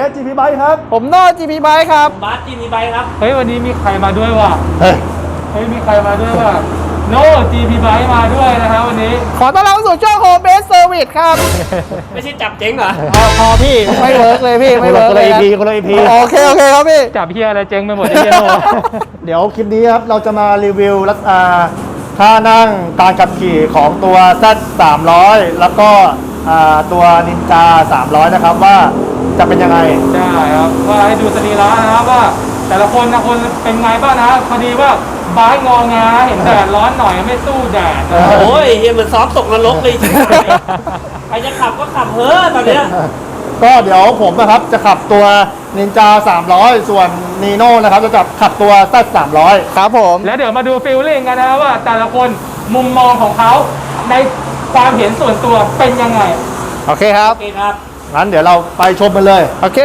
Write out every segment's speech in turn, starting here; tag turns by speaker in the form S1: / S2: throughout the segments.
S1: GP Bike ครับ
S2: ผมโน่ GP Bike ครับ
S3: บาสจีนีไบครับ
S4: เฮ้ยวันนี้มีใครมาด้วยวะ
S1: เฮ้ย
S4: เฮ้ยมีใครมาด้วยวะโน่ GP Bike มาด้วยนะครับวันนี้
S2: ขอต้อนรับสู่ช่อง Home Base Service ครับ
S3: ไม่ใช่จับเจ๊งเหรอ
S2: พอพี่ไม่เวิร์กเลยพี่ไม่เวิร์กเลย
S1: คนละ EP
S2: โอเคครับพี่
S4: จับเฮียอะไรเจ๊งไปหมดไอ้เฮียโน่
S1: เดี๋ยวคลิปนี้ครับเราจะมารีวิวท่านั่งการขับขี่ของตัว Z 300แล้วก็ตัว Ninja 300นะครับว่าจะเป็นยังไง
S4: ใช่ครับว่าให้ดูสรีระนะครับว่า แต่ละคนนะคนเป็นไงบ้างนะพอดีว่าบายงองาเห็นแดดร้อนหน่อยไม่สู้แดด
S3: โอ้ยเฮียเหมือนซ้อมตกนรกเลยใครจะขับก็ขับเฮ้อตอนเนี้ย
S1: ก็เดี๋ยวผมนะครับจะขับตัว Ninja 300 ส่วน Nino นะครับจะขับตัว Z 300
S2: ครับผม
S4: แล้วเดี๋ยวมาดูฟีลลิ่งกันนะว่าแต่ละคนมุมมองของเขาในความเห็นส่วนตัวเป็นยังไง
S2: โอเคครับ
S3: โอเคครับ
S1: งั้นเดี๋ยวเราไปชมกันเลย
S2: โอเค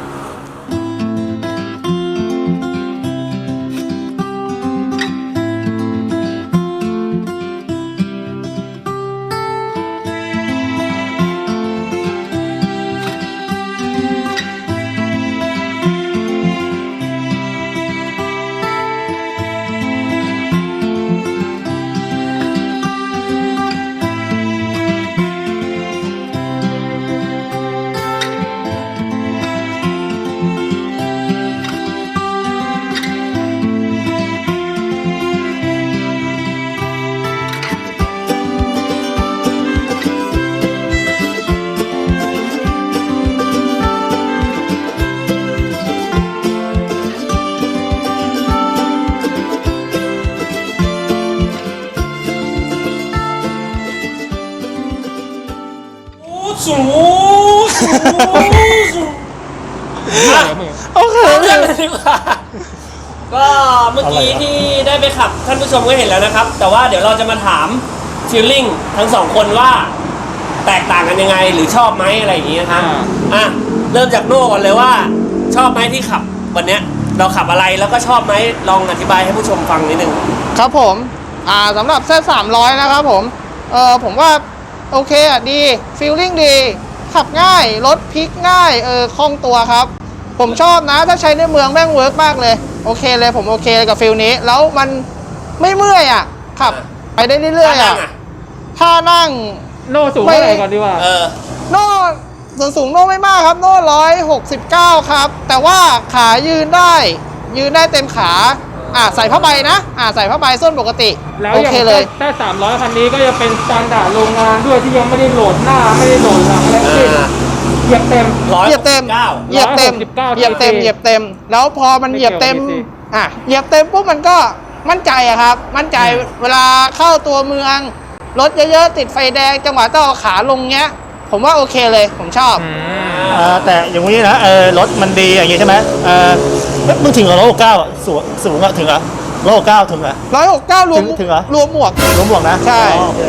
S3: สู
S2: โอเค
S3: เรื่องเลยดีกว่าก็เมื่อกี้ที่ได้ไปขับท่านผู้ชมก็เห็นแล้วนะครับ แต่ว่าเดี๋ยวเราจะมาถามฟีลลิ่งทั้งสองคนว่าแตกต่างกันยังไงหรือชอบไหมอะไรอย่างเงี้ยครับเริ่มจากโน่ก่อนเลยว่าชอบไหมที่ขับวันเนี้ยเราขับอะไรแล้วก็ชอบไหมลองอธิบายให้ผู้ชมฟังนิดนึง
S2: ครับผมสำหรับเซต300นะครับผมผมว่าโอเคอ่ะดีฟีลลิ่งดีขับง่ายรถพลิกง่ายคล่องตัวครับผมชอบนะถ้าใช้ในเมืองแม่งเวิร์กมากเลยโอเคเลยผมโอเคกับฟีลนี้แล้วมันไม่เมื่อยอ่ะขับไปได้เรื่อยๆอ่ะถ้านั่ง
S4: โน่สูงเท่าไหร่ก่อนดีกว่า
S2: โน่ส่วนสูงโน่ไม่มากครับโน่169ครับแต่ว่าขายืนได้เต็มขาใส่ผ้าใบนะใส่ผ้าใบส้นปกติ
S4: แล้ว
S2: โอ
S4: อย่าง
S2: เคเลย
S4: แต่300คันนี้ก็จะเป็นสแตนดาร์ดโรงงานด้วยที่ยังไม่ได้โหลดหน้าไม่ได้โหลดหลังอะไรทั้งสิ้นเหยียบเต็ม
S2: เหยียบเต็ม แล้วพอมันเหยียบเต็ม เหยียบเต็มปุ๊บมันก็มั่นใจอะครับ มั่นใจเวลาเข้าตัวเมืองรถเยอะๆติดไฟแดงจังหวะต้องเอาขาลงเงี้ยผมว่าโอเคเลยผมชอบ
S1: แต่อย่างนี้นะรถมันดีอย่างนี้ใช่ไหมมึงถึงกับ169สูงอะถึงอะ169ถึงอะ
S2: 169รวม
S1: ถึงเหรอ
S2: รวมหมวก
S1: รวมหมวกนะ
S2: ใช่
S1: โอเค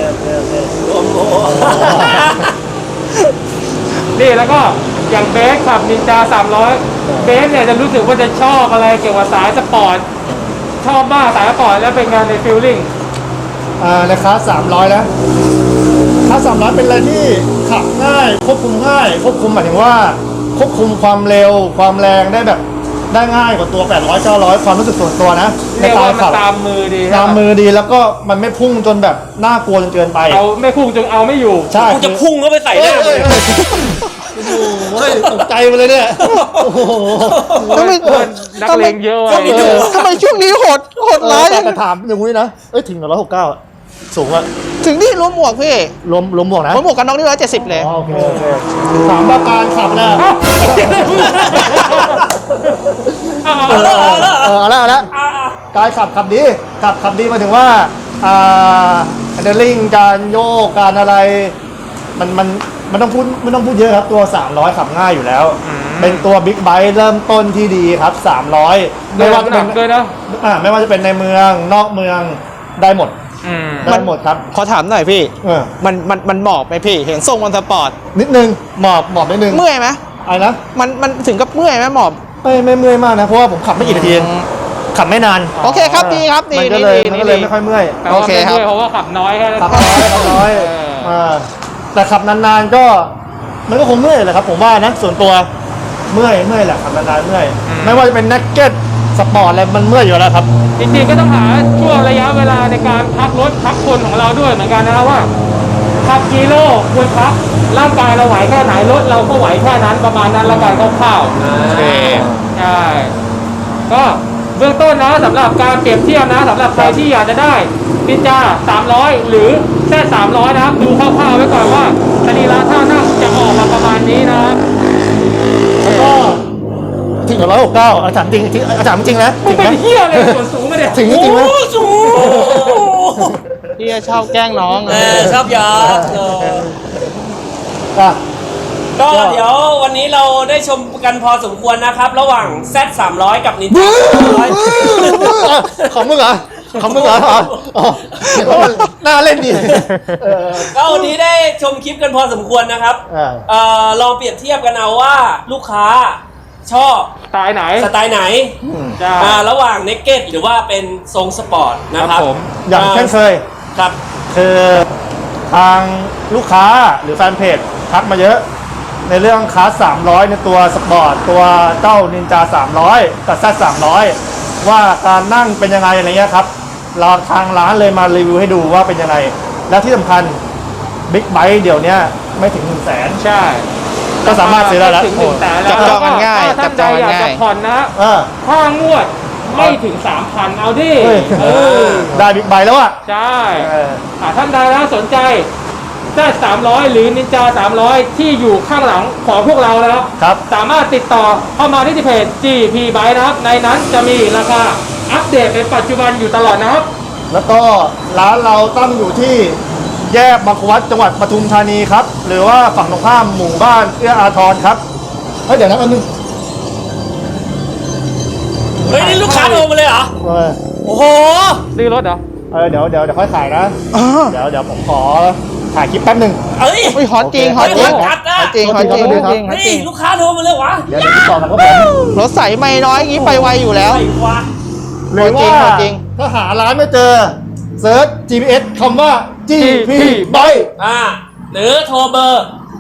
S4: นี่แล้วก็อย่างเบสขับนินจา300เบสเนี่ยจะรู้สึกว่าจะชอบอะไรเกี่ยวกับสายสปอร์ตชอบมากสายสปอร์ตแล้วเป็นงานในฟีลลิ่ง
S1: ในคลาส300นะคลาส300เป็นอะไรที่ขับง่ายควบคุมง่ายควบคุมหมายถึงว่าควบคุมความเร็วความแรงได้แบบได้ง่ายกว่าตัว800 900ความรู้สึกส่วนตัวนะใน
S4: เรียก
S1: การ
S4: ว่ามัน
S1: ขับ
S4: ตามมือดี
S1: ตามมือดีแล้วก็มันไม่พุ่งจนแบบน่ากลัวจนเกินไป
S4: เอาไม่พุ่งจนเอาไม่อยู่
S1: ใช่
S3: กูจะพุ่งเข้าไปใส่ได้เลย
S1: โอ้โหตกใจไปเลยเนี่ยโอ้โห
S2: ทำไม
S4: นักเลงเยอะว่ะ
S2: ทำไมช่วงนี้โหดร้าย
S1: แต่ถามอย่างนี้นะถึง169สูงอะ
S2: ถึงนี่รวมหมวกพี่
S1: รวมหมวกนะ
S2: รวมหมวกกันน็อกนี่170เลย
S1: โอเคถามว่าการขับนะเอาละการขับดีขับดีมาถึงว่าเดลลิ่งการโยกการอะไรมันต้องพูดเยอะครับตัว300ขับง่ายอยู่แล้วเป็นตัวบิ๊กไบค์เริ่มต้นที่ดีครับ300ไม่ว่าจะเป็น
S4: ด้วยนะ
S1: ไม่ว่าจะเป็นในเมืองนอกเมืองได้หมดได้หมดครับ
S2: ขอถามหน่อยพี่
S1: มัน
S2: หมอบไหมพี่เห็นทรงมันสปอร์ต
S1: นิดนึงหมอบนิดนึง
S2: เมื่อยไหม
S1: อะไรนะ
S2: มันถึงกับเมื่อยไหมหมอบ
S1: ไม่เมื่อยมากนะเพราะว่าผมขับไม่กี่นาทีขับไม่นาน
S2: โอเคครับดีครับดี
S1: มันก็เลยไม่ค่อยเมื่อย
S4: โอเคครับเพราะว่าขับน้อยแค่
S1: ขับน้อยแต่ขับนานๆก็มันก็คงเมื่อยแหละครับผมว่านะส่วนตัวเมื่อยแหละขับนานๆเมื่อยไม่ว่าจะเป็นนักเก็ตสปอร์ตอะไรมันเมื่อยอยู่แล้วครับ
S4: จริงๆก็ต้องหาช่วงระยะเวลาในการพักรถพักคนของเราด้วยเหมือนกันนะครับว่าขับกิโลควรพักร่างกายเราไหวแค่ไหนรถเราก็ไหวแค่นั้นประมาณนั้นละกันคร่าวๆ
S2: โอเค
S4: ใช่ก็เบื้องต้นนะสำหรับการเปรียบเทียบนะสำหรับใครที่อยากจะได้นินจา300 หรือแค่300นะครับดูคร่าวๆไว้ก่อนว่าสรีระท่านั่งจะออกมาประมาณนี้นะครับ
S1: แล้วก็ถึง169อาจารย์จริงอาจารย์จริงนะ
S4: มึ
S1: ถึ
S4: ง
S1: ง
S4: เป็น
S1: นะ
S4: เหี้ยอะไรส่วนสูงมาเนี่ย
S1: ถึงจริงไหม
S3: โอ้สูง
S2: พี่ชอบแกล้งน้อง
S3: ชอบยา
S1: อ่ะ
S3: ก็เดี๋ยววันนี้เราได้ชมกันพอสมควรนะครับ ระหว่าง Z 300กับนินจา300
S1: ของมึงเหรอของมึงเหรออ๋อน่าเล่นดี
S3: ก็วันนี้ได้ชมคลิปกันพอสมควรนะครับ ลองเปรียบเทียบกันเอาว่าลูกค้าชอบ
S4: ตายไหน
S3: สไตล์ไหน
S4: ใช่
S3: ระหว่างเนกเก็ตหรือว่าเป็นทรงสปอร์ตนะครับ
S4: ผม
S1: อย่างเช่นเคย
S3: ครับ
S1: คือทางลูกค้าหรือแฟนเพจทักมาเยอะ ในเรื่องคลาส300 ในตัวสปอร์ตตัวเจ้านินจา300กับ Z 300ว่าการนั่งเป็นยังไงอะไรเงี้ยครับเราทางร้านเลยมารีวิวให้ดูว่าเป็นยังไง และที่สำคัญบิ๊กไบค์เดี๋ยวนี้ไม่ถึง 100,000
S4: ใช่
S1: ก็สามารถซื้อได้แล้ว
S4: ถึง100,000แล้ว
S2: จับจองกันง่าย
S4: ถ้า
S2: จั
S4: ท่า
S2: บ
S4: น
S2: จ
S4: ใด
S2: อง
S4: อ
S2: กัน
S4: ยาก
S2: ง่า
S4: จะ
S2: ย
S4: ผ่อนนะค่างวดไม่ถึง 3,000 เอาดิ
S1: เฮ้ย
S4: เออ
S1: ได้บิ๊กไบค์แล้วอ่ะ
S4: ใช่
S1: เออ
S4: ท่านใดนะสนใจได้300 หรือนินจา300 ที่อยู่ข้างหลังของพวกเรานะครับ
S1: ครับ
S4: สามารถติดต่อเข้ามาที่เพจ GP Bike นะครับ ในนั้นจะมีราคาอัปเดตเป็นปัจจุบันอยู่ตลอดนะครับ
S1: แล้วก็ร้านเราตั้งอยู่ที่แยกบางขวัดจังหวัดปทุมธานีครับ หรือว่าฝั่งตรงข้ามหมู่บ้านเอื้ออาทรครับเฮ้ยเดี๋ยวนะอันนึง
S3: เฮ้ยนี่ลูกค้าโทรมาเลยเหรอ
S1: เออ
S3: โอ้โห
S4: ซื้อรถเหรอ
S1: เดี๋ยวค่อยขายนะ เดี๋ยวผมขอถ่ายคลิปแป๊บหนึ่ง
S3: เอ้ย
S2: อุ้ยฮอตจริงฮอตจริง
S3: โอ้โหจัดอะ
S2: ฮอตจริงฮอตจริงฮอตจริงฮอต
S3: นี่
S2: จริง
S3: ลูกค้าโทรมาเลยวะ
S1: เดี๋ยวติดต่อกันครับผม
S2: รถใสไม่น้อยอย่างนี้ไปไวอยู่แล้ว
S3: ไอ้วะ
S1: หรือว่า
S2: ขอจริง
S1: ถ้าหาร้านไม่เจอเซิร์ช GPS คำว่า GP Bike
S3: หรือโทรเบอร์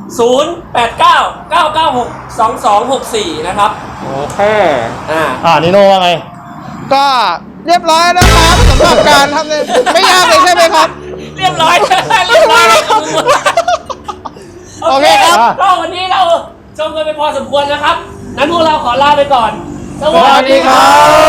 S3: 0899962264 นะครับ
S4: โอเค
S1: นิโน่ว่าไง
S2: ก็เรียบร้อยนะครับสำหรับการทำเนี่ยไม่ยากเลยใช่ไหมครับ
S3: เรียบร้อย เรียบร้อยแล้วครับโอเคครับ
S1: อ่ะ
S3: ก็วันนี้เราชมกันไปพอสมควรนะครับ นั้นพวกเราขอลาไปก่อน ส
S1: สวัสดีครับ